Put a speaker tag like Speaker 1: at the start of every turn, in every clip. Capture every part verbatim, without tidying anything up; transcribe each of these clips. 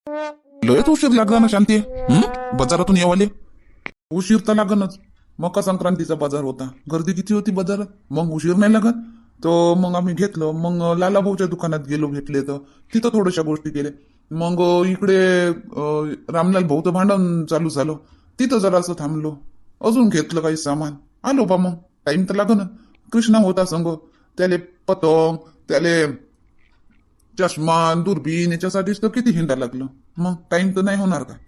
Speaker 1: लयच उशीर लागला ना शांती. हं? बाजारातून येवाले उशीर तर लागनच. मकर संक्रांतीचा बाजार होता, गर्दी किती होती बाजारात, मग उशीर नाही लागत. तर मग आम्ही घेतलं. मग लाला भाऊच्या दुकानात गेलो, भेटले तर तिथं थोड्याशा गोष्टी केल्या. मग इकडे अं, रामलाल भाऊचं भांडण चालू झालं, तिथं जरासं थांबलो. अजून घेतलं काही सामान, आलो बा. मग टाइम तर लागन. कृष्णा होता संग, त्याले पतंग, त्याले चष्मा, दुर्बीन याच्यासाठीच तर किती हिंडा लागलं. मग टाइम तर नाही होणार का.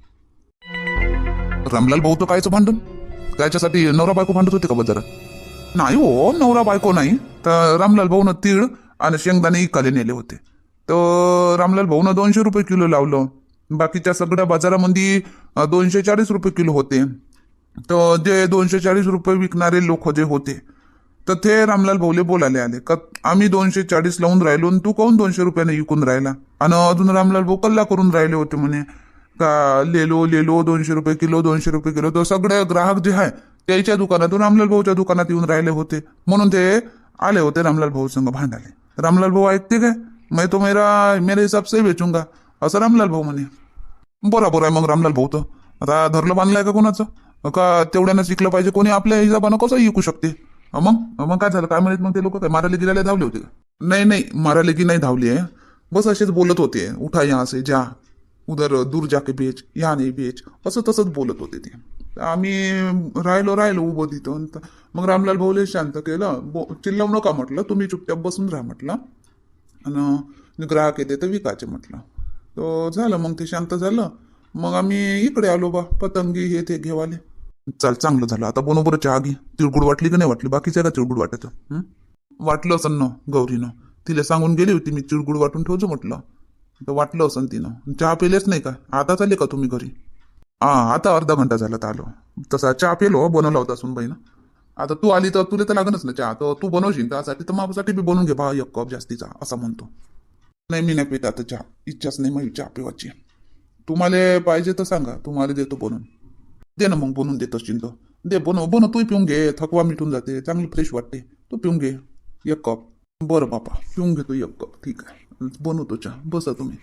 Speaker 1: रामलाल भाऊ तर कायचं भांडण, त्याच्यासाठी नवरा बायको भांडत होते का बाजारात? नाही हो, नवरा बायको नाही. तर रामलाल भाऊनं तीळ आणि शेंगदाणे इकाले नेले होते. तर रामलाल भाऊनं दोनशे रुपये किलो लावलं. बाकीच्या सगळ्या बाजारामध्ये अं, दोनशे चाळीस रुपये किलो होते. तर जे दोनशे चाळीस रुपये विकणारे लोक जे होते, तर ते रामलाल भाऊले बोलायला आले का आम्ही दोनशे चाळीस लावून राहिलो आणि तू काहून दोनशे रुपयाने विकून राहिला. आणि अजून रामलाल भाऊ कल्ला करून राहिले होते म्हणे का लेलो लेलो दोनशे रुपये किलो, दोनशे रुपये किलो. तर सगळे ग्राहक जे आहे त्याच्या दुकानातून रामलाल भाऊच्या दुकानात येऊन राहिले होते, म्हणून ते आले होते रामलाल भाऊ संग भांडाले. रामलाल भाऊ ऐकते काय, मैं तो मेरा मेरे हिसाब से बेचूंगा असं रामलाल भाऊ म्हणे. बरोबर आहे मग रामलाल भाऊ. तर आता धरलं बांधलंय का कोणाचं, का तेवढ्यानं शिकलं पाहिजे, कोणी आपल्या हिशोबानं कसं विकू शकते. अं मग मग काय झालं काय म्हणत, मग ते लोक काय मारायला गिरायला धावले होते का? नाही नाही, मारायला की नाही धावली आहे, बस असेच बोलत होते. उठा यहाँ से जा, उधर दूर जाके बेच, यहाँ नाही बेच, असं तसंच बोलत होते ते. आम्ही राहिलो राहिलो उभं तिथं. त- मग रामलाल भाऊले शांत केलं. बो चिल्लावू नका म्हटलं, तुम्ही चुपचाप बसून राहा म्हटलं, आणि ग्राहक येते तर विकायचे म्हटलं. तो झालं, मग ते शांत झालं. मग आम्ही इकडे आलो बा, पतंगी हे ते घेवाले. चाल, चांगलं झालं. आता बरोबर चहा घे. तिळगुड वाटली का नाही वाटली, बाकीचं का तिळगुड वाटायचं? हं? वाटलं असं ना गौरीनं, तिला सांगून गेली होती मी तिळगुड वाटून ठेवतो म्हटलं. तर वाटलं असं तिनं. चहा पेलेच नाही का, आता चालले का तुम्ही घरी? हा, आता अर्धा घंटा झाला तर आलो. तसा चहा पेलो, बनवला होता सुनबाईनं. आता तू आली तर तुला तर लागणच ना चहा, तर तू बनवशील त्यासाठी तर माझ्यासाठी बी बनवून घे बा एक कप जास्तीचा, असं म्हणतो. नाही, मी नाही पित आता चहा, इच्छाच नाही माझी चहा पिवायची. तुम्हाला पाहिजे तर सांगा, तुम्हाला देतो बनवून. दे ना मग, बनवून देत असशील तर दे, बनव बनव, तू पिऊन घे, थकवा मिटून जाते, चांगली फ्रेश वाटते. तू पिऊन घे एक कप. बरं बापा, पिऊन घेतो एक कप, ठीक आहे, बनवतो चहा, बसा तुम्ही.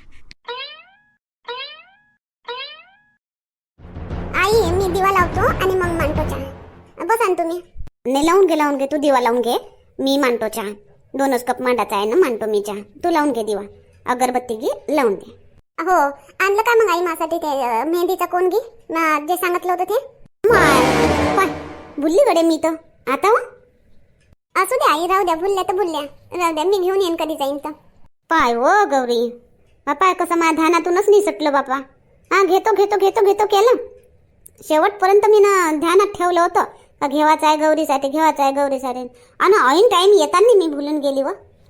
Speaker 2: आई, मी दिवा लावतो आणि मग मांडतो चहा. बसा ना तुम्ही. नाही, लावून घे लावून घे, तू दिवा लावून घे, मी मांडतो चहा. दोनच कप मांडायचा आहे ना, मांडतो मी चहा. तू लावून घे दिवा, अगरबत्ती घे, लावून दे. हो, आणलं का मग आई माझ्यासाठी ते अं, मेहंदीचा कोण घे ना, जे सांगितलं होतं ते. माय, पाय, भुलली गडे मी तर आता. हो, असू द्या आई, राहू द्या, भुलल्या तर भुलल्या, राहू द्या, मी घेऊन येईन कधी जाईन तर. पाय हो गौरी, बापा कसं माझ्या ध्यानातूनच निसटलं बापा. हा, घेतो घेतो घेतो घेतो केलं शेवटपर्यंत. मी ना ध्यानात ठेवलं होतं का घेवायचं आहे गौरीसाठी, घेवायचं आहे गौरीसाठी, आणि ऐन टाईम येताना मी भुलून गेली. व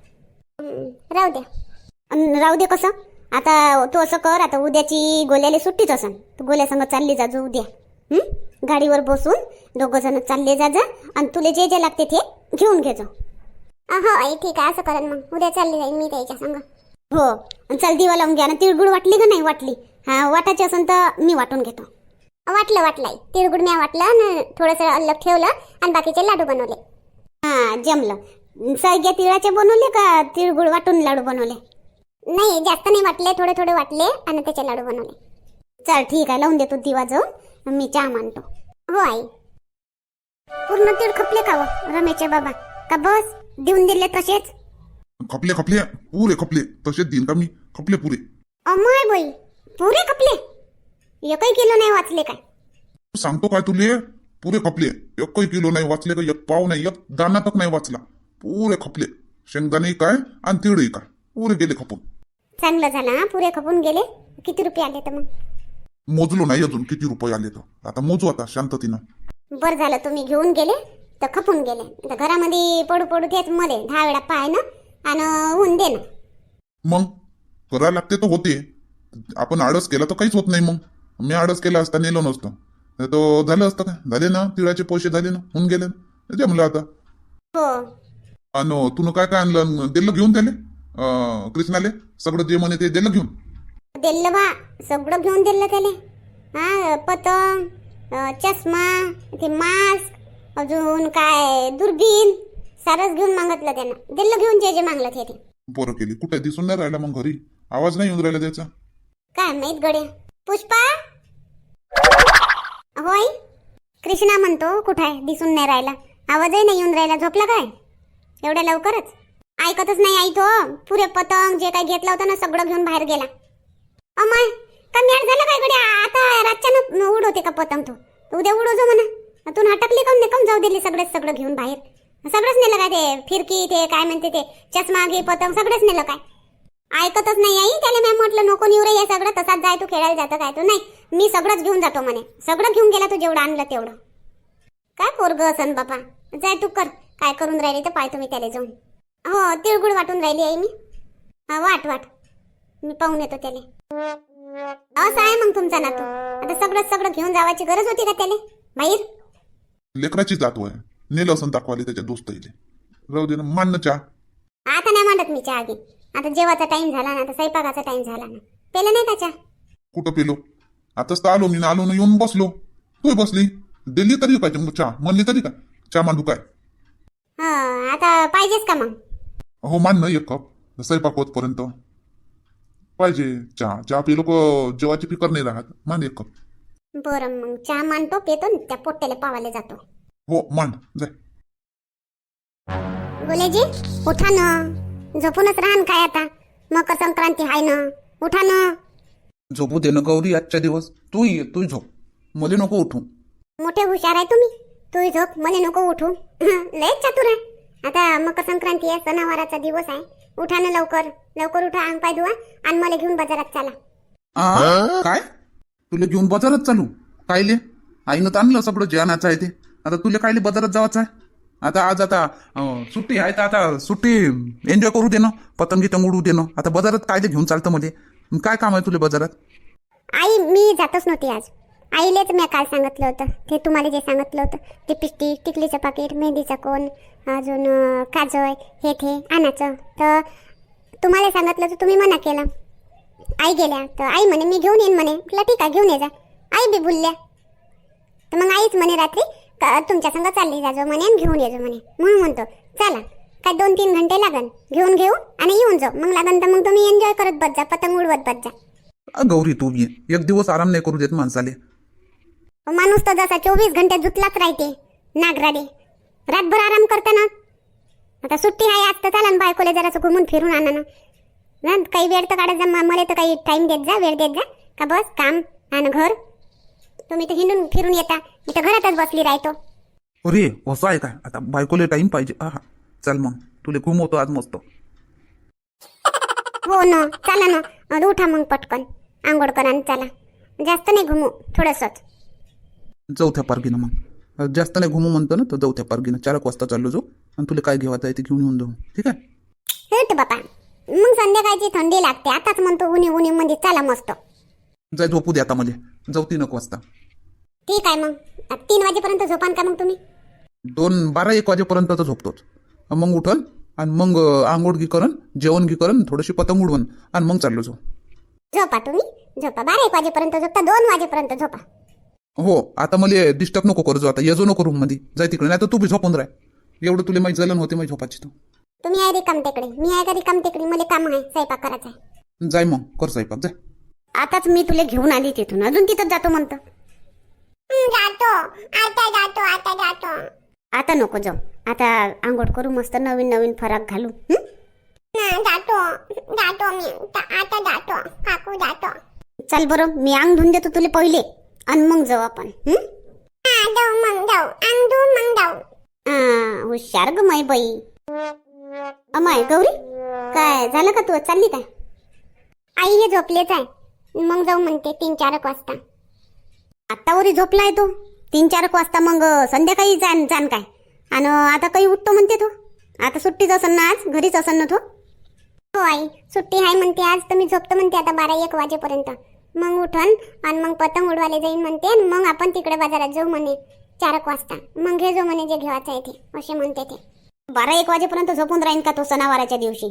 Speaker 2: राहू द्या. अन राहू दे कसं, आता तू असं कर, आता उद्याची गोल्याला सुट्टीच असन, तर गोल्या संग चालली जा जो उद्या. हं? गाडीवर बसून दोघं जण चालले जा जा, आणि तुला जे जे लागते ते घेऊन घे जा. हो आई, ठीक आहे, असं करेन. मग उद्या चालली जाईन मी त्याच्या संग. हो, आणि चल दिवा लावून घ्या ना. तिळगुळ वाटली का नाही वाटली? हा, वाटायची असेल तर मी वाटून घेतो. वाटलं वाटलंय, तिळगुळ मी वाटलं आणि थोडंसं अल्लग ठेवलं, आणि बाकीचे लाडू बनवले. हा, जमलं. सगळ्या तिळाचे बनवले का तिळगुळ वाटून लाडू बनवले? नाही, जास्त नाही वाटले, थोडे थोडे वाटले आणि त्याचे लाडू बनवले. चल ठीक आहे, लावून देतो दिवा जाऊन, मी चहा मांडतो. हो आई. पूर्ण तीळ खपले का व रमेशचे बाबा, का बस देऊन दिले तसेच?
Speaker 1: खपले खपले, पुरे खपले, तसेच देईन का मी, खपले पुरे.
Speaker 2: अमाय बाई, पुरे खपले? एकही किलो नाही वाचले काय?
Speaker 1: सांगतो काय तुले, पुरे खपले. एकही किलो नाही वाचले का, एक पाव नाही, एक दाना तक नाही वाचला. पुरे खपले, शेंगदाणे काय आणि तिळही काय, पुरे गेले खपून.
Speaker 2: चांगलं झालं हा, पुरे खपून गेले. किती रुपये आले तर मग?
Speaker 1: मोजलो नाही अजून किती रुपये आले, तर आता मोजू आता शांततीनं.
Speaker 2: बरं झालं तुम्ही घेऊन गेले तर खपून गेले. तर घरामध्ये पडू पडू तेच मध्ये दहा वेळा पाय ना, आणि ऊन दे ना.
Speaker 1: मग करायला लागते तर होते, आपण आळस केला तर काहीच होत नाही. मग मी आळस केला असता नेलो नसतो, तो झालं असतं काय, झाले ना तिळाचे पैसे, झाले ना, होऊन गेले ना, जमलं आता.
Speaker 2: हो.
Speaker 1: आणि तुनं काय काय आणलं, दिलं घेऊन त्याले अं, कृष्णाले सगळं जे म्हणे ते दिलं घेऊन.
Speaker 2: दिलं बा, सगळं घेऊन दिलं त्याले. हा, पतंग, अं, चष्मा, ते मास्क, अजून काय दुर्बीन, सारच घेऊन मागितलं त्यानं. दिलं घेऊन जे जे मागलं ते ते.
Speaker 1: बरं केली. कुठे दिसून नाही राहिला मग घरी, आवाज नाही येऊन राहिला त्याचा.
Speaker 2: काय माहित गड्या. पुष्पा होय, कृष्णा म्हणतो कुठं आहे, दिसून नाही राहिला, आवाजही नाही येऊन राहिला. झोपला काय एवढ्या लवकरच? ऐकतच नाही आई तो. पुरे पतंग जे काय घेतला होता ना सगळं घेऊन बाहेर गेला. अमाय का मॅट झालं काय गड्या? आता रातच्यानं उडवते का पतंग तो? उद्या उडवजो म्हणा. तू हटकली काऊन नाही, जाऊ दिली सगळेच सगळं घेऊन बाहेर? सगळंच नेलं काय? ते फिरकी ते काय म्हणते ते चष्मा घे पतंग सगळंच नेलं काय? ऐकतच नाही आई. त्याला मी म्हटलं नको निवरे हे सगळं, तसाच जाय तू खेळायला जातं काय तू? नाही मी सगळंच घेऊन जातो म्हणे. सगळं घेऊन गेला तू जेवढं आणलं तेवढं. काय पोरग असन बापा. जाय तू कर काय करून राहिली तर पाय तुम्ही त्याला जाऊन. हो तिळगुळ वाटून राहिली आई मी. हा वाट वाट मी पाहून येतो त्याला. असं आहे मग तुमचा नातू. आता सगळं सगळं घेऊन जावायची गरज होती का त्याला बाहेर?
Speaker 1: लेकराची जातो आहे, नेलं असं दाखवाले त्याच्या दोस्त इले. राहू दे ना, मान्य चहा.
Speaker 2: आता नाही मांडत मी चहा घे. आता जेवायचा टाइम झाला ना, आता स्वयंपाकाचा टाइम झाला ना. पेलं नाही का चहा?
Speaker 1: कुठं पेलो? आताच तर आलो मी ना, आलो ना येऊन बसलो. तू बसली दिल्ली तरी पाहिजे मग चहा म्हणली तरी काय चहा मांडू काय?
Speaker 2: हा आता पाहिजेच का मग?
Speaker 1: हो मान ना एक कप, स्वयंपाक होतपर्यंत पाहिजे चहा. चहा पिलो को जेवाची फिकर नाही राहत. मान एक कप.
Speaker 2: बरं मग चहा मांडतो, पेतो न त्या पोट्याला पावायला जातो.
Speaker 1: हो मान जाय.
Speaker 2: गोलेजी उठा ना, झोपूनच राहन काय आता? मकर संक्रांती हाय ना, उठा ना.
Speaker 1: झोपू दे ना गौरी आजच्या दिवस. तू ये तू झोप, मला नको उठू.
Speaker 2: मोठे हुशार आहे तुम्ही. तू झोप मला नको उठू. लयच चतुर आहे. आता मकर संक्रांती आहे, सणावाराचा दिवस आहे. उठा ना लवकर लवकर उठा, अंग पाय धुवा आणि मला घेऊन बाजारात चला.
Speaker 1: काय तुला घेऊन बाजारात चालू? कायले? आईनं तर आणलं सगळं जे आणायचं आहे ते. आता तुला कायले बाजारात जायचं आहे? आता आज आता अं, सुट्टी आहे तर आता सुट्टी एन्जॉय करू दे ना, पतंगी उडू दे ना. आता बाजारात कायले घेऊन चालतं मध्ये? काय काम आहे तुला बाजारात?
Speaker 2: आई मी जातच नव्हती आज. आईलेच मी काल सांगितलं होतं ते तुम्हाला जे सांगितलं होतं ते पिस्टी टिकलीचं पाकिट, मेहंदीचा कोण, अजून अं, काजळ हे ते आणायचं. तर तुम्हाला सांगितलं तर तुम्ही मना केलं. आई गेल्या तर आई म्हणे मी घेऊन येईन म्हणे. म्हटलं ठीक आहे घेऊन ये जा. आई बी बोलल्या तर मग आईच म्हणे रात्री का तुमच्या संग चालली जाजो म्हणे आणि घेऊन येजो म्हणे. म्हणून म्हणतो चला काय दोन तीन घंटे लागन, घेऊन घेऊ आणि येऊन जाऊ. मग लागन तर मग तुम्ही एन्जॉय करत बस जा, पतंग उडवत बस जा.
Speaker 1: अ, गौरी तू ये, एक दिवस आराम नाही करू देत माणसाले.
Speaker 2: माणूस तर जसा चोवीस घंटे जुतलाच राहते नागराडे. रातभर आराम करता ना. आता सुट्टी आहे आज तर चला ना बायकोले जरासं घुमून फिरून आणा ना. ना काही वेळ तर काढत जा, म- मला तर काही टाइम देत जा, वेळ देत जा का बस काम आणि घर. तुम्ही तर हिंडून फिरून येता, मी तर घरातच बसली राहतो.
Speaker 1: अरे असं आहे काय? आता बायकोले टाइम पाहिजे. हा चल मग तुला घुमवतो आज मस्त.
Speaker 2: हो ना चला ना. अं, उठा मग पटकन आंघोळ करा आणि चला. जास्त नाही घुमू, थोडंसंच.
Speaker 1: चौथ्या पारगीनं मग जास्त नाही घुमू म्हणतो ना, तर चौथ्या पारगीनं चार एक वाजता चाललो जाऊ आणि तुला काय घेवायचं आहे ते घेऊन येऊन जाऊ. ठीक आहे?
Speaker 2: हेट बापा मग संध्याकाळची थंडी लागते. आताच म्हणतो उन्ही उन्ही मध्ये चला मस्त.
Speaker 1: जाय झोपू दे आता मला. जाऊ तीन एक वाजता.
Speaker 2: ठीक आहे मग. आता तीन वाजेपर्यंत झोपान का मग तुम्ही?
Speaker 1: दोन बारा एक वाजेपर्यंत तर झोपतोच. मग उठल आणि मग आंघोळ गी करन, जेवण गी करन, थोडीशी पतंग उडवण आणि मग चाललो जाऊ.
Speaker 2: झोपा तुम्ही झोपा. बारा एक वाजेपर्यंत झोपता, दोन वाजेपर्यंत झोपा.
Speaker 1: हो आता मला डिस्टर्ब नको करू. आता येजो नको रूम मध्ये. जाय तिकडे, नाही तर तू बी झोपून राह. एवढं तुला माहिती जलन होते माझी झोपाची. तू
Speaker 2: तुम्ही आहे रिकाम टेकडी, मी आहे का रिकाम टेकडी? मला काम आहे, स्वयंपाक करायचा आहे.
Speaker 1: जाय मग कर स्वयंपाक जाय.
Speaker 2: आताच मी तुला घेऊन आली तिथून, अजून तिथं जातो म्हणतो. जातो आता जातो आता जातो. आता नको जाऊ. आता आंघोळ करू मस्त, नवीन नवीन फराक घालू. जातो जातो मी आता जातो काकू जातो. चल बरं मी अंग धुवून देतो तुला पहिले आणि मग जाऊ आपण. मग जाऊ अंग धुवून मग जाऊ. हुशार ग माई बाई. अमाय गौरी काय झालं का? तू चालली काय? आई हे झोपलेच आहे, मग जाऊ म्हणते तीन चार एक वाजता. आत्तावरी झोपलाय तो तीन चार एक वाजता, मग संध्याकाळी जाण जाण काय? आणि आता काही उठतो म्हणते तो. आता सुट्टीच असन ना, आज घरीच असन ना तो. हो आई सुट्टी आहे म्हणते आज, तर मी झोपतो म्हणते आता बारा एक वाजेपर्यंत. मग उठन आणि मग पतंग उडवायला जाईन म्हणते आणि मग आपण तिकडे बाजारात जाऊ म्हणे चार एक वाजता. मग घे जो म्हणे जे घेवायचं आहे ते, असे म्हणते ते. बारा एक वाजेपर्यंत झोपून राहीन का तो सणावाराच्या दिवशी?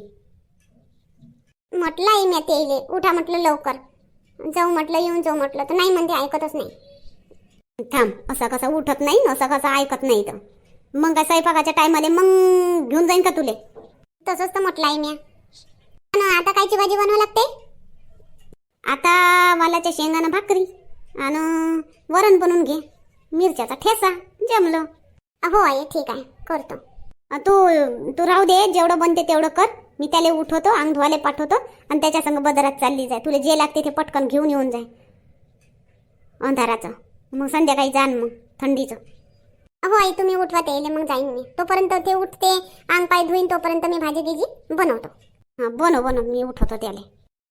Speaker 2: म्हटलं आई मी ते उठा म्हटलं लवकर जाऊ म्हटलं, येऊन जाऊ म्हटलं तर नाही म्हणते, ऐकतच नाही. थांब असा कसा उठत नाही, असा कसा ऐकत नाही. तर मग काय स्वयंपाकाच्या टायमाले मग घेऊन जाईन का तुले? तसंच तर म्हटलं आई मी. आता कायची भाजी बनवावं लागते? आता वालाच्या शेंगानं भाकरी आणि वरण बनवून घे, मिरच्याचा ठेसा, जमलं. हो आई ठीक आहे करतो. अ, तू तू राहू दे, जेवढं बनते तेवढं कर. मी त्याला उठवतो, अंग धुवाले पाठवतो आणि त्याच्या संग बाजारात चालली जाय. तुला जे लागते ते पटकन घेऊन येऊन जाय अंधाराचं. मग संध्याकाळी जाण मग थंडीचं. हो आई तुम्ही उठवा ते मग जाईन मी. तोपर्यंत ते उठते, अंग पाय धुईन, तोपर्यंत मी भाजी गिजी बनवतो. हां बनव बनव, मी उठवतो त्याला.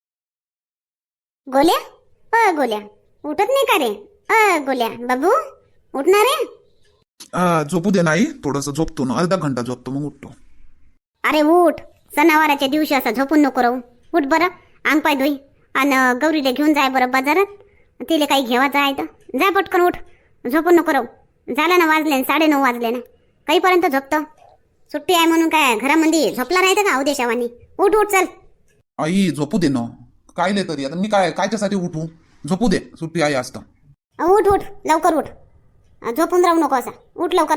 Speaker 2: गोल्या अ गोल्या उठत नाही का रे? अ गोल्या बाबू उठणार रे?
Speaker 1: आ, झोपू दे नाही, थोडंसं झोपतो ना, अर्धा घंटा झोपतो मग उठतो.
Speaker 2: अरे उठ, सणावाराच्या दिवशी असं झोपून नको राहू. उठ बरं, अंग पाय धुई आणि गौरीला घेऊन जाय बरं बाजारात. तिला काही घेवायचं आहे तर जा पटकन, उठ, झोपून नको राहू. झालं ना, वाजले साडे नऊ वाजले ना, काहीपर्यंत झोपतं. सुट्टी आहे म्हणून काय घरामध्ये झोपला राहतं का उद्याशावानी? उठ उठ चल.
Speaker 1: आई झोपू दे ना, काय नाही तरी आता मी काय कायच्यासाठी उठू? झोपू दे, सुट्टी आहे आज तर.
Speaker 2: उठ उठ लवकर उठ, झोपून राहू नको असा, उठ लवकर.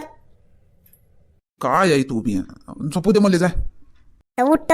Speaker 1: काय आई तू बी, झोपू दे मला, जाय.
Speaker 2: उठ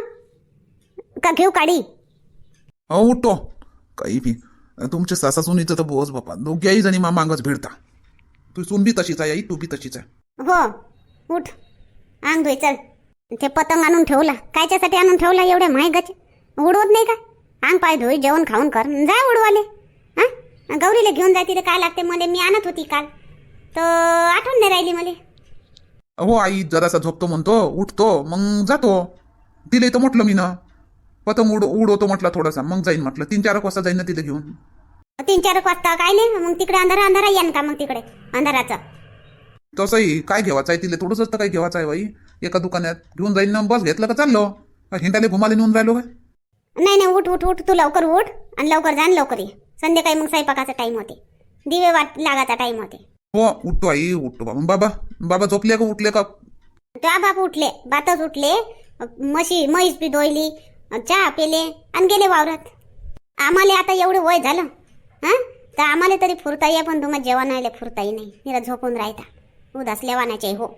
Speaker 2: का घेऊ काढी?
Speaker 1: हो उठतो. काही बी तुमच्या सासा सुनीचं तर बोस बापा, दोघ्याही जणी मा मागच भिडता. तू सून बी तशीच आहे आई, तू बी तशीच आहे.
Speaker 2: हो उठ, अंग धुई चल. ते पतंग आणून ठेवला, कायच्यासाठी आणून ठेवला एवढे महागाचे? उडवत नाही का? अंग पाय धुई, जेवण खाऊन कर, जा उडवाले. हा गौरीला घेऊन जाय, तिथे काय लागते मला, मी आणत होती काल तर आठवण नाही राहिली मला.
Speaker 1: हो आई जरासा झोपतो म्हणतो, उठतो मग जातो. तिला तर म्हटलं मी ना, पतंग उड उडवतो म्हटलं थोडासा, मग जाईन म्हटलं. तीन चार वाजता जाईन ना तिला घेऊन.
Speaker 2: तीन चार वाजता काय नाही मग, तिकडे अंधारा अंधारा येईन का मग तिकडे अंधाराचा?
Speaker 1: तसंही काय घेवायचं आहे तिला, थोडंसं तर काही घेवायचं आहे बाई. एका दुकानात घेऊन जाईन ना, बस घेतलं का चाललो. हिंडाले घुमाले नेऊन राहिलो काय?
Speaker 2: नाही नाही उठ उठ उठ, तू लवकर उठ आणि लवकर जा आणि लवकर ये. संध्याकाळी मग स्वयंपाकाचा टाइम होते, दिवे वाट लागाचा टाइम होते.
Speaker 1: हो उठतो आई, उठतो बाबा. बाबा बाबा झोपले का उठले का?
Speaker 2: त्या बाप उठले, बातच उठले, म्हशी म्हैस बी धुईली, चहा पेले आणि गेले वावरात. आम्हाला आता एवढं वय झालं हा, तर आम्हाला तरी फुरता ये, पण तुम्हाला जेवण आले फुरताही नाही. निरा झोपून राहता, उदास लेवानाचे. हो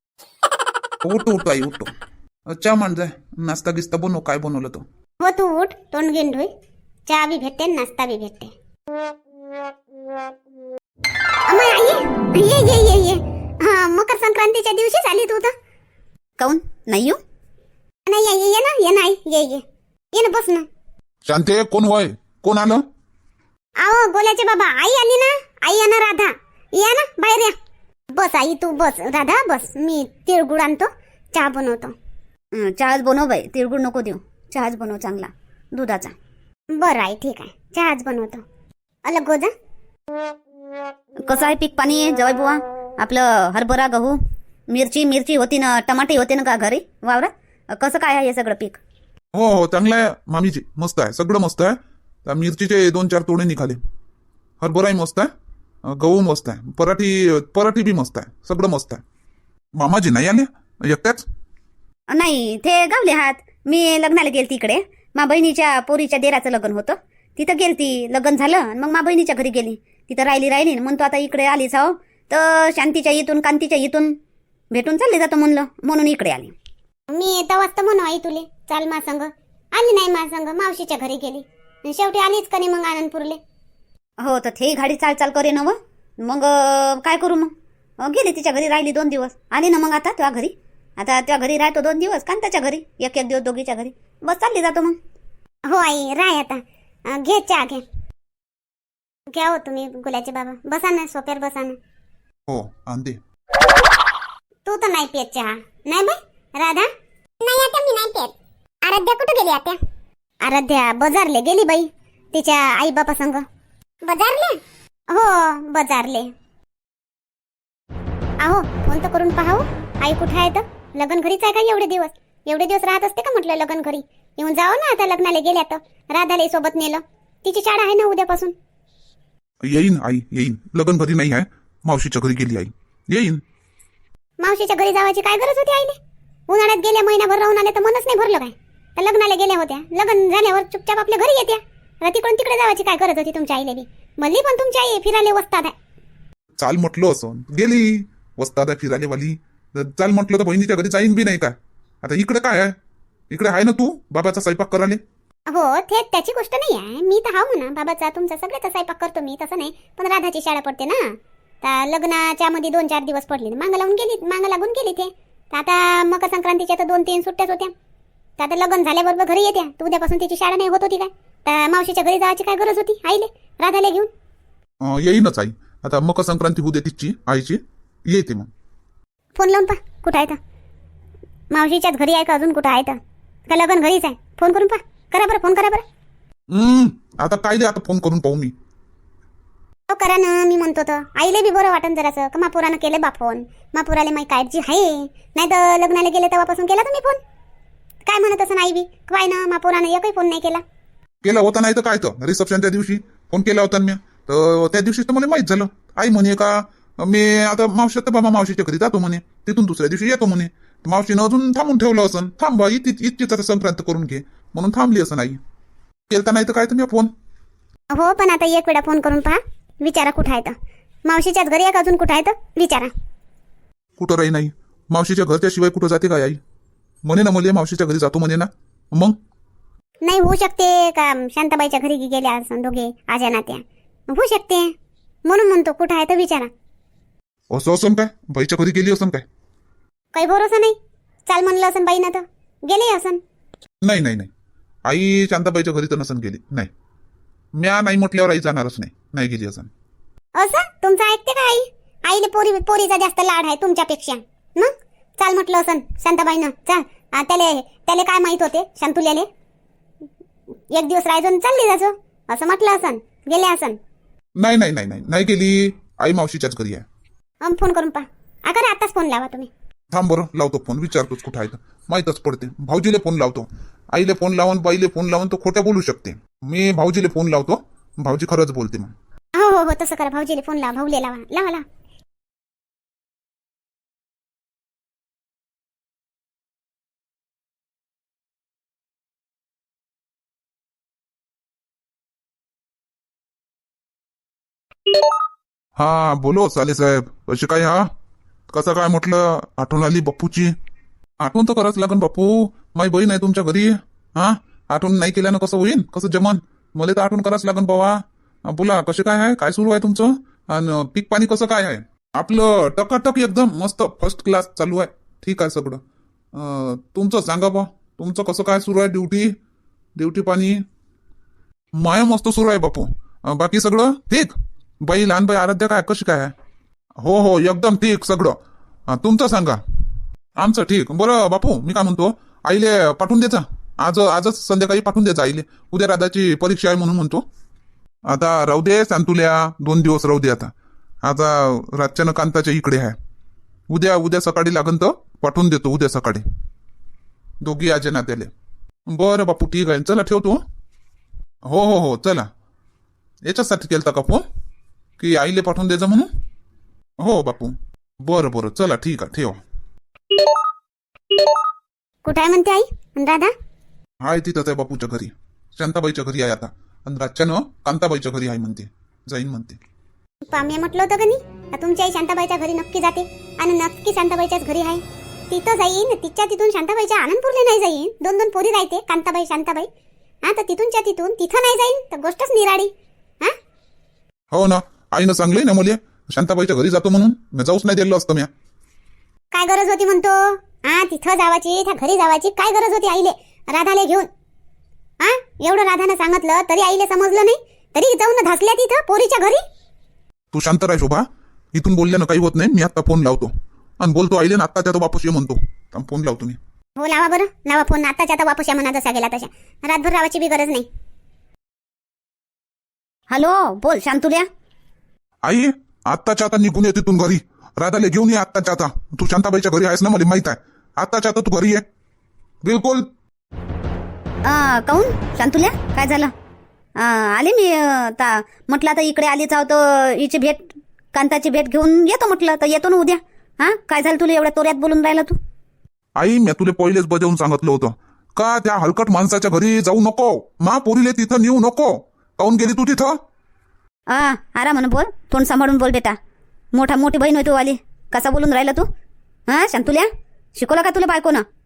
Speaker 1: उठतो उठतो आई उठतो. चहा मान जाय, नाश्ता गिस्ता बनव, काय बनवलं तो.
Speaker 2: हो तू उठ, तोंड घेऊन धुई, चहा बी भेटते नाश्ता बी भेटते. अम्मा, ये ये ये ये ये हा, मकर संक्रांतीच्या दिवशीच आली तू तर.
Speaker 3: काऊन नाही येऊ?
Speaker 2: नाही ये ये ना, ये नाही ये ये ये ना, बस ना.
Speaker 1: शांते कोण वय, कोण आलं?
Speaker 2: आओ गोल्याचे बाबा, आई आली ना, आई या ना, राधा या ना, बाहेर या. बस आई तू बस, राधा बस, मी तिळगुळ आणतो, चहा बनवतो.
Speaker 3: हं, चहाच बनव बाई, तिळगुळ नको देऊ, चहाच बनव चांगला दुधाचा.
Speaker 2: बरं आई ठीक आहे, चहाच बनवतो. अलग गोजा.
Speaker 3: कसं आहे पीक पाणी जवाई बुवा? आपलं हरभरा, गहू, मिरची मिरची होती ना, टमाटे होते ना का घरी वावरात? कसं काय आहे हे सगळं पीक?
Speaker 1: हो हो चांगलं आहे मामीजी, मस्त आहे, सगळं मस्त आहे. त्या मिरचीचे दोन चार तोडे निघाले, हरभराही मस्त आहे, गहू मस्त आहे, पराठी पराठी बी मस्त आहे, सगळं मस्त आहे. मामाजी नाही आले एकट्याच?
Speaker 3: नाही ते गावले हात. मी लग्नाला गेलती इकडे, मा बहिणीच्या पोरीच्या देराचं लग्न होतं, तिथं गेलती, लग्न झालं आणि मग मा बहिणीच्या घरी गेली, तिथं राहिली राहिली म्हणतो आता इकडे आलीच आहो, तर शांतीच्या इथून कांतीच्या इथून भेटून चालले जातो म्हणलं, म्हणून इकडे आली.
Speaker 2: मी तवाच तर म्हणू आई तुले चाल मा संग, आली नाही मा संग, मावशीच्या घरी गेली, शेवटी आलीच का नाही मग आनंदपूरले.
Speaker 3: हो तर ते गाडी चाल चाल करे ना, मग अं, काय करू मग? अं, गेली तिच्या घरी, राहिली दोन दिवस, आली ना मग आता त्या घरी. आता त्या घरी राहतो दोन दिवस, कांताच्या घरी एक एक दिवस दोघीच्या घरी, बस चालली जातो मग.
Speaker 2: हो आई राय आता, अं, घे चहा घे, घ्या हो तुम्ही गुलाचे बाबा, बसा ना सोप्यावर बसा ना.
Speaker 1: हो आणते.
Speaker 2: तू तर नाही पियत चहा नाही बाई राधा? नाही आता मी नाही पियत. आराध्या कुठे गेली आता? आराध्या बाजारले गेली बाई, तिच्या आई बापा संग. बाजारले? हो बाजारले. आहो फोन तर करून पाहाव, आई कुठे आहे तर? लग्न घरीच आहे का एवढे दिवस? एवढे दिवस राहत असते का म्हटलं लग्न घरी? येऊन जाओ ना आता, लग्नाला गेल्या तर राधाला सोबत नेलं, तिची शाळा आहे ना उद्यापासून.
Speaker 1: येईन आई येईन, लग्न घरी नाही आहे, मावशीच्या घरी गेली आई, येईन.
Speaker 2: मावशीच्या घरी जावायची काय गरज होती आईने? उन्हाळ्यात गेल्या महिनाभर राहून आले तर मनच नाही भरलं काय? तर लग्नाला गेल्या होत्या, लग्न झाल्यावर चुपचाप आपल्या घरी येत्या, तिकडून तिकडे जावायची काय गरज होती तुमच्या आईले बी? मल्ली पण तुमच्या आई फिरायला वस्तात आहे.
Speaker 1: चाल म्हटलं असं गेली, वस्तात आहे फिरायला वाली, चाल म्हटलं तर बहिणीच्या घरी जाईन बी नाही का? आता इकडे काय आहे, इकडे आहे ना तू बाबाचा स्वयंपाक करायला.
Speaker 2: हो ते त्याची गोष्ट नाही आहे. मी तर हाव म्हणा बाबाचा तुमचा सगळ्याचा स्वयंपाक करतो मी, तसं नाही. पण राधाची शाळा पडते ना, तर लग्नाच्या मध्ये दोन चार दिवस पडले ना, मागं लावून गेली, मागं लागून गेली ते. तर आता मकर संक्रांतीच्या तर दोन तीन सुट्ट्याच होत्या. तर आता लग्न झाल्याबरोबर घरी येत्या. तर उद्यापासून तिची शाळा नाही होत होती काय? तर मावशीच्या घरी जायची काय गरज होती आईले राधाला घेऊन?
Speaker 1: अं, येईनच आई. आता मकर संक्रांती होऊ दे तिची आईची, येते मग.
Speaker 2: फोन लावून पा कुठं आहे तर. मावशीच्याच घरी आहे का अजून कुठं आहे तर? का लग्न घरीच आहे? फोन करून पा. करा बरं, फोन करा बरं.
Speaker 1: हम्म आता काय दे, आता फोन करून पाहू मी.
Speaker 2: हो करा ना, मी म्हणतो तर आईले बी बरं वाटन जरासं का मापुरानं केले बा फोन. मापुराले माही काळजी आहे, नाही तर लग्नाला गेले तेव्हापासून केला तुम्ही फोन. काय म्हणत असं आई बी काय ना, मापुरानं एकही फोन नाही केला.
Speaker 1: केला होता नाही तर काय, तर रिसेप्शनच्या दिवशी फोन केला होता मी. तर त्या दिवशी तर मला माहित झालं. आई म्हणे का मी आता मावशी तर बाबा मावशीच्या घरी जातो म्हणे, तिथून दुसऱ्या दिवशी येतो म्हणे. मावशीनं अजून थांबून ठेवलं असं, थांबा इथे इतकीच आता संक्रांत करून घे म्हणून थांबली असं. नाही केलता नाही तर काय तुम्ही फोन.
Speaker 2: हो पण आता एक वेळा फोन करून पहा, विचारा कुठं आहे तर. मावशीच्याच घरी आहे का अजून कुठं आहे तर विचारा.
Speaker 1: कुठं राही नाही, मावशीच्या घरच्या शिवाय कुठं जाते काय आई? म्हणे ना मला मावशीच्या घरी जातो म्हणे ना. मग
Speaker 2: नाही होऊ शकते का शांताबाईच्या घरी गेल्या असं दोघे आज्या नात्या, होऊ शकते म्हणून म्हणतो कुठं आहे तर विचारा.
Speaker 1: असं असं काय बाईच्या घरी गेली असं काय?
Speaker 2: काही भरोसा नाही. चाल म्हणलं असं बाईनं तर गेले असं.
Speaker 1: नाही नाही नाही, आई शांताबाईच्या घरी तर नसन गेली. नाही, म्या नाही म्हटल्यावर आई जाणारच नाही. नाही गेली असं.
Speaker 2: असं तुमचं ऐकते का आई? आईले पोरी पोरीचा जास्त लाड आहे तुमच्यापेक्षा. मग चाल म्हटलं असं शांताबाईनं, चाल. आ, त्याले त्याले काय माहित होते शांतुल्याले? एक दिवस राहायचो चालली जायचो असं म्हटलं असं, गेले असं.
Speaker 1: नाही नाही नाही नाही नाही गेली आई, मावशीच्याच घरी आहे.
Speaker 2: अम फोन करून पहा. अगर आताच फोन लावा तुम्ही.
Speaker 1: थांब बरं, लावतो फोन, विचारतोच कुठं आहे तर. माहीतच पडते. भाऊजीले फोन लावतो. आईले फोन लावून बाईले फोन लावून तो खोट्या बोलू शकते. मी भाऊजीले फोन लावतो, भाऊजी खरंच बोलते मग.
Speaker 2: हो हो हो तसं करा. भाऊजीले फोन लावा, भाऊले लावा, लावा लावा.
Speaker 1: हा बोलो साले साहेब, कशी काय? हा कसं काय म्हटलं? आठवण आली बापूची. आठवण तर करावंच लागन बापू, माझी बहीण आहे तुमच्या घरी. हा आठवण नाही केल्यानं कसं होईन, कसं जमन? मला तर आठवण करावंच लागन बाबा. बोला कसे काय आहे, काय सुरू आहे तुमचं? आणि पीक पाणी कसं काय आहे? आपलं टकाटक एकदम मस्त फर्स्ट क्लास चालू आहे. ठीक आहे सगळं. अं, तुमचं सांगा बा, तुमचं कसं काय सुरू आहे? ड्युटी ड्युटी पाणी माया मस्त सुरू आहे बापू. अं, बाकी सगळं ठीक? बाई लहान बाई आराध्या काय कशी काय आहे? हो हो एकदम ठीक सगळं. अं, तुमचं सांगा. आमचं ठीक. बरं बापू, मी काय म्हणतो, आईले पाठवून द्यायचा आज, आजच संध्याकाळी पाठवून द्यायचा आईले. उद्या राधाची परीक्षा आहे म्हणून म्हणतो. आता राहू दे सांतुल्या, दोन दिवस राहू दे. आता आता रातच्यानं कांताच्या इकडे आहे. उद्या उद्या सकाळी लागन तर पाठवून देतो. उद्या सकाळी दोघी आजे नात्याले. बरं बापू ठीक आहे, चला ठेवतो. हो हो हो चला. याच्यासाठी केलता का फोन, की आईले पाठवून द्यायचं म्हणून? हो बापू बरं बरं चला ठीक आहे, ठेवा.
Speaker 2: कुठं आहे म्हणते आई आणि राधा?
Speaker 1: हाय तिथंच आहे बापूच्या घरी, शांताबाईच्या घरी आहे आता. आणि रातच्यानं कांताबाईच्या घरी आहे म्हणते, जाईन म्हणते.
Speaker 2: पाम्या म्हटलं होतं का नाही, तुमच्या आई शांताबाईच्या घरी नक्की जाते आणि नक्की शांताबाईच्याच घरी आहे. तिथं जाईन, तिच्या तिथून शांताबाईच्या आनंदपूरला नाही जाईन. दोन दोन पोरी राहते कांताबाई शांताबाई. हा तर तिथूनच्या तिथून तिथं नाही जाईन तर गोष्टच निराडी. हा
Speaker 1: हो ना, आईनं सांगलंय ना मला शांताबाईच्या घरी जातो म्हणून. मी जाऊच नाही दिलं असतं म्या.
Speaker 2: काय गरज होती म्हणतो? हा तिथं जावाची, त्या घरी जावाची काय गरज होती आईले राधाले घेऊन? हा एवढं राधानं सांगितलं तरी आईले समजलं नाही, तरी जाऊन धसल्या तिथं पोरीच्या घरी.
Speaker 1: तू शांत राह शोभा, इथून बोलल्यानं काही होत नाही. मी आता फोन लावतो आणि बोलतो आईले ना, आत्ता त्या तो वापस ये म्हणतो. थांब, फोन लावतो मी.
Speaker 2: हो लावा बरं, लावा फोन. आताच्या आता वापस या म्हणा, जसा गेला तशा. रातभर रावाची बी गरज नाही.
Speaker 3: हॅलो बोल शांतुल्या.
Speaker 1: आई आत्ताच्या आता निघून ये तिथून घरी. राधाले घेऊन ये आत्ताच्या आता. तू शांताबाईच्या घरी आहेस ना, मला माहित आहे. आत्ताच्या आता तू घरी ये बिलकुल.
Speaker 3: अं, काहून शांतुल्या काय झालं? अं, आले मी आता म्हटलं आता इकडे आलीच आहो तर हिची भेट, कांताची भेट घेऊन येतो म्हटलं. तर येतो ना उद्या. हा काय झालं तुला एवढ्या तोऱ्यात बोलून राहिला तू?
Speaker 1: आई मी तुला पहिलेच बजावून सांगितलं होतं का त्या हलकट माणसाच्या घरी जाऊ नको. मा पोरीले तिथं नेऊ नको. काहून गेली तू तिथं?
Speaker 3: आ आरा म्हणून बोल, तोंड सांभाळून बोल बेटा. मोठा मोठी बहीण होय तू आली, कसा बोलून राहिला तू? हा शांतुल्या, शिकवलं का तुला बायकोनं?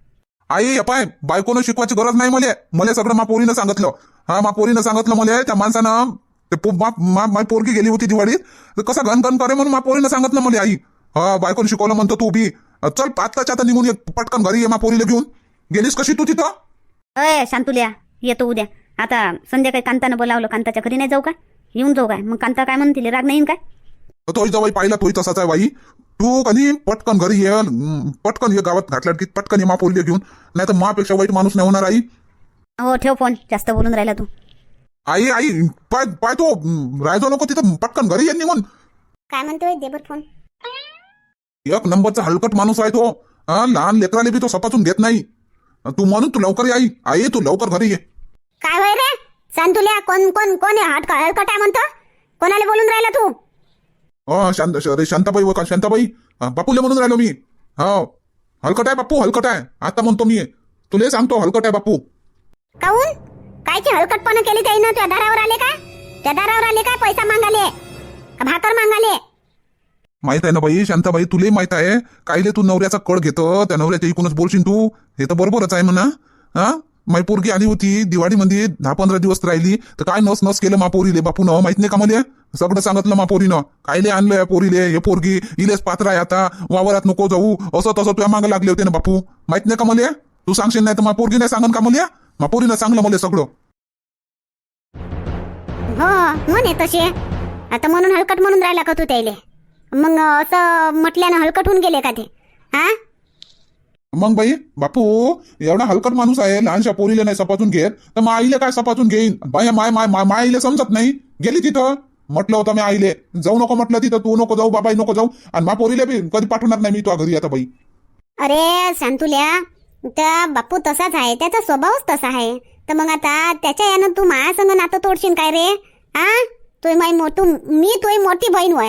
Speaker 1: आई हे पाय बायकोनं शिकवायची गरज नाही मला मला सगळं मा पोरीनं सांगितलं. हा मा पोरीनं सांगितलं मला त्या माणसानं ते पो- मा- मा- माझी पोरगी गेली होती दिवाळीत तर कसा घन घन करे म्हणून मा पोरीनं सांगितलं मला आई. हा बायकोनं शिकवलं म्हणतो तू बी चल आत्ताच्या आता निघून ये पटकन घरी ये मा पोरीला घेऊन. गेलीस कशी तू तिथं?
Speaker 3: अय शांतुल्या येतो उद्या. आता संध्याकाळी कांतानं बोलावलं, कांताच्या घरी नाही जाऊ का? येऊन जाऊ काय? मग कांता काय म्हणतील, राग नाही येईन काय?
Speaker 1: तोही जवळ पाहिला तोही तसाच आहे बाई. तू कधी पटकन घरी ये अं, पटकन ये गावात घातल्या की पटकन ये मा पोरीला घेऊन. नाही तर मापेक्षा वाईट माणूस नाही होणार आई.
Speaker 3: हो ठेव फोन, जास्त बोलून राहिला तू.
Speaker 1: आई आई पाय पाय तो अं, राहायचो नको तिथं पटकन घरी ये निघून.
Speaker 2: काय म्हणतोय देबर फोन?
Speaker 1: एक नंबरचा हलकट माणूस आहे तो. हा लहान लेकराले बी तो सपाचून घेत नाही. तू म्हणून तू लवकर ये आई. आई तू लवकर घरी ये.
Speaker 2: काय होय रे शांतुल्या? कोण कोण कोण आहे? हटका हलकट आहे म्हणतो? कोणाला बोलून राहिला तू?
Speaker 1: हो शांत अरे शांताबाई व का शांताबाई हा, बापूले म्हणून राहिलो मी. हो हलकट आहे बापू, हलकट आहे. आता म्हणतो मी तुले सांगतो हलकट आहे बापू.
Speaker 2: काऊन? कायची हलकटपणा केली त्याईनं? त्या दारावर आले काय? त्या दारावर आले काय? पैसा मागाले का भाकर मागाले?
Speaker 1: माहित आहे ना बाई शांताबाई, तुले माहित आहे कायले तू नवऱ्याचा कळ घेतो. त्या नवऱ्याच्या इकूनच बोलशील तू. हे तर बरोबरच आहे म्हणा. हा माई पोरगी आली होती दिवाळीमध्ये दहा पंधरा दिवस राहिली तर काय नस नस केलं मा पोरीले बापूनं. माहित नाही का मला? सगळं सांगितलं मा पोरीनं. कायले आणलंय पोरीले हे पोरगी इलेच पात्र आहे आता वावरात नको जाऊ असं तसं तुझ्या मागे लागले होते ना बापू. माहित नाही का मला? तू सांगशील नाही तर मा पोरगी नाही सांगन का मला? मा पोरीनं सांगलं मला सगळं.
Speaker 2: हो म्हणे तसे. आता म्हणून हलकट म्हणून राहिला का तू त्याले? मग असं म्हटल्यानं हलकट होऊन गेले का ते? हा
Speaker 1: मग बाई बापू एवढा हलकट माणूस आहे लहानशा पोरीला नाही सपाचून घेत तर मग आईले काय सपाचून घेईन? बाई माय माय माय माय आईले समजत नाही. गेली तिथं म्हटलं होतं मी आईले जाऊ नको म्हटलं तिथं. तू नको जाऊ बाबाई नको जाऊ आणि मा पोरीला बी कधी पाठवणार नाही मी तुझ्या घरी आता बाई.
Speaker 2: अरे शांतुल्या त्या बापू तसाच आहे, त्याचा स्वभावच तसा आहे. तर मग आता त्याच्या यानं तू माया संग नातं तोडशील काय रे? हा तू माई मोठू मी तुझी मोठी बहीण होय.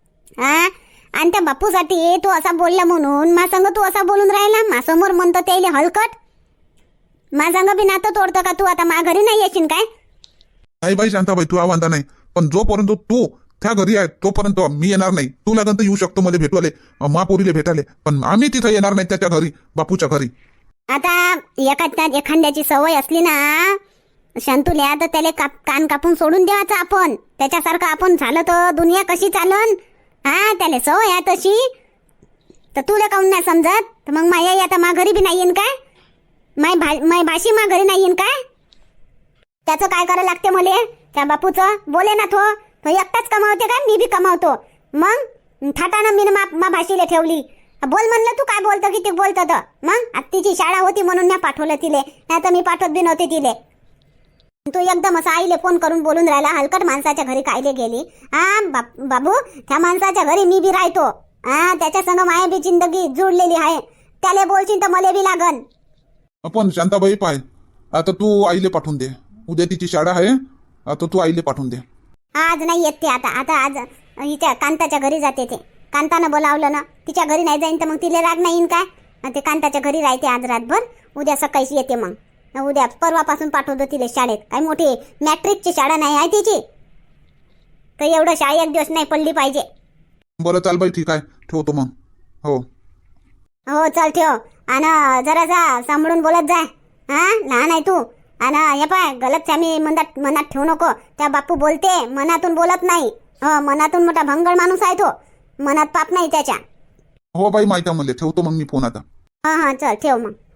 Speaker 2: हा आणि त्या बापूसाठी तू असा बोलला म्हणून मा संग तू असा बोलून राहिला. मा समोर म्हणतो त्याले हलकट. मा संग बी नातं तोडतो का तू? आता मा घरी नाही येशील काय?
Speaker 1: नाही बाई शांताबाई तू आवांदा नाही. पण जोपर्यंत तू त्या घरी आहे तोपर्यंत मी येणार नाही. तू लागन तर येऊ शकतो मला भेटवाले महापुरीले भेटाले, पण आम्ही तिथं येणार नाही त्याच्या घरी बापूच्या घरी.
Speaker 2: आता एखाद्या एखाद्याची सवय असली ना शांतुल्या तर त्याला काप कान कापून सोडून द्यायचं आपण. त्याच्यासारखं आपण झालं तर दुनिया कशी चालन? हा त्याला सवय आहे तशी. तर तुला काऊन नाही समजत? तर मग माया आता मा घरी बी नाही येईन काय? माय भा माय भाशी मा घरी नाही येईन काय? त्याचं काय करायला लागते मले? त्या बापूचं बोले ना तो तो एकटाच कमावते काय? मी बी कमावतो. मग थाटानं मी मा मा भाषीला ठेवली. बोल म्हणलं तू काय बोलतो किती बोलतो तर मग आता तिची शाळा होती म्हणून मी पाठवलं तिले, नाही तर मी पाठवत बी नव्हते तिले. तू एकदम असं आईले फोन करून बोलून राहिला हलकट माणसाच्या घरी कायले गेली? हा बाबू त्या माणसाच्या घरी मी बी राहतो. हा त्याच्या संग माया बी जिंदगी जुळलेली आहे. त्याला बोलशील तर मला बी लागन.
Speaker 1: आपण शांताबाई पाय आता तू आईले पाठवून दे. उद्या तिची शाळा आहे. आता तू आईले पाठवून दे.
Speaker 2: आज नाही येत ते. आता आता आज हिच्या कांताच्या घरी जाते ते. कांतानं बोलावलं ना तिच्या घरी नाही जाईन तर मग तिला राग नाही येईन काय? ते कांताच्या घरी राहते आज रातभर. उद्या सकाळीच येते. मग उद्या परवापासून पाठवतो तिला शाळेत. काय मोठी मॅट्रिकची शाळा नाही आहे तिची तर एवढं शाळा एक दिवस नाही पडली पाहिजे.
Speaker 1: बरं चाल बाई ठीक आहे ठेवतो मग. हो
Speaker 2: हो चल ठेव. आणि जरासा सांभाळून बोलत जाय. हा लहान आहे तू. आणि हे पाय गलतफहमी मनात मनात ठेवू नको. त्या बापू बोलते मनातून बोलत नाही. हो मनातून मोठा भंगळ माणूस आहे तो. मनात पाप नाही त्याच्या.
Speaker 1: हो बाई माहिती आहे मला. ठेवतो मग मी फोन आता.
Speaker 2: हा हा चल ठेव मग.